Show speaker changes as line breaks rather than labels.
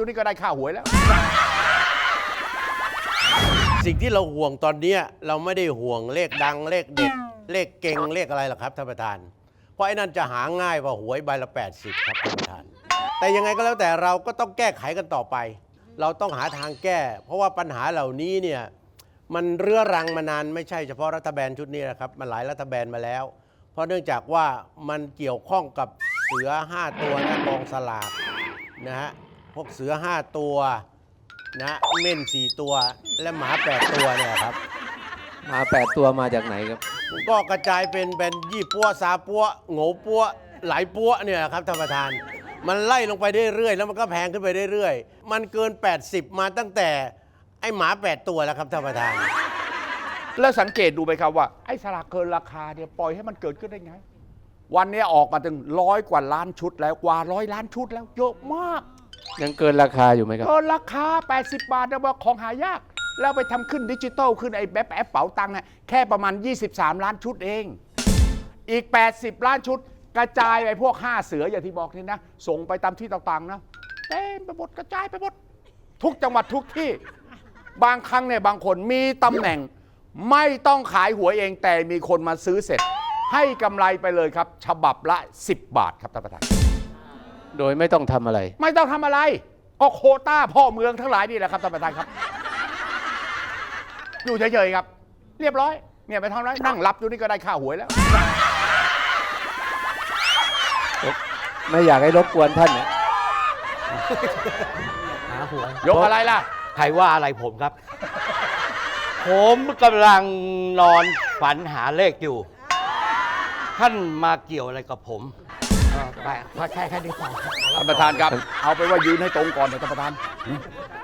นี่ก็ได้ค่าหวยแล้ว
สิ่งที่เราห่วงตอนนี้เราไม่ได้ห่วงเลขดังเลขเด็ดเลขเก่งเลขอะไรหรอกครับท่านประธานเพราะไอ้นั่นจะหาง่ายกว่าหวยใบละ80ครับท่านประธานแต่ยังไงก็แล้วแต่เราก็ต้องแก้ไขกันต่อไป เราต้องหาทางแก้ เพราะว่าปัญหาเหล่านี้เนี่ยมันเรื้อรังมานานไม่ใช่เฉพาะรัฐบาลชุดนี้นะครับมันหลายรัฐบาลมาแล้ว เพราะเนื่องจากว่ามันเกี่ยวข้องกับเสือ5ตัวนะกองสลากนะฮะพวกเสือ5ตัวนะเม่น4ตัวและหมา8ตัวเนี่ยครับ
มา8 ตัวมาจากไหนครับ
ก็กระจายเป็นยี่ปัวซาปัวโง่ปัวหลายปัวเนี่ยครับท่านประธานมันไล่ลงไปเรื่อยๆแล้วมันก็แพงขึ้นไปเรื่อยๆมันเกิน80มาตั้งแต่ไอ้หมา8ตัวแล้วครับท่านประธาน
แล้วสังเกตดูไหมครับว่าไอ้สลากเกินราคาเนี่ยปล่อยให้มันเกิดขึ้นได้ไงวันนี้ออกมาถึง100 กว่าล้านชุดแล้วกว่า100 ล้านชุดแล้วเยอะมาก
ยังเกินราคาอยู่ไหมครับ
เกินราคา80 บาทนะว่าของหายากแล้วไปทำขึ้นดิจิตอลขึ้นไอ้แบบแอปเป๋าตังค์นะแค่ประมาณ23 ล้านชุดเองอีก80 ล้านชุดกระจายไปพวก5เสืออย่างที่บอกนี่นะส่งไปตามที่ต่างๆนะเต็มไปหมดกระจายไปหมดทุกจังหวัดทุกที่บางครั้งเนี่ยบางคนมีตำแหน่งไม่ต้องขายหวยเองแต่มีคนมาซื้อเสร็จให้กำไรไปเลยครับฉบับละ10 บาทครับท่านประธาน
โดยไม่ต้องทำอะไร
ไม่ต้องทำอะไรก็โควต้าพ่อเมืองทั้งหลายนี่แหละครับท่านประธานครับอยู่เฉยๆครับเรียบร้อยเนี่ยไปทำไรนั่งรับอยู่นี่ก็ได้ค่าหวยแล้ว
ไม่อยากให้รบกวนท่านเนี่ย
หาหวย
ยกอะไรล่ะ
ใครว่าอะไรผมครับ ผมกำลังนอนฝันหาเลขอยู่ ท่านมาเกี่ยวอะไรกับผม
ไปแค่นี้พอท่านประธานครับเอาไปว่ายืนให้ตรงก่อนเถอะท่านประธาน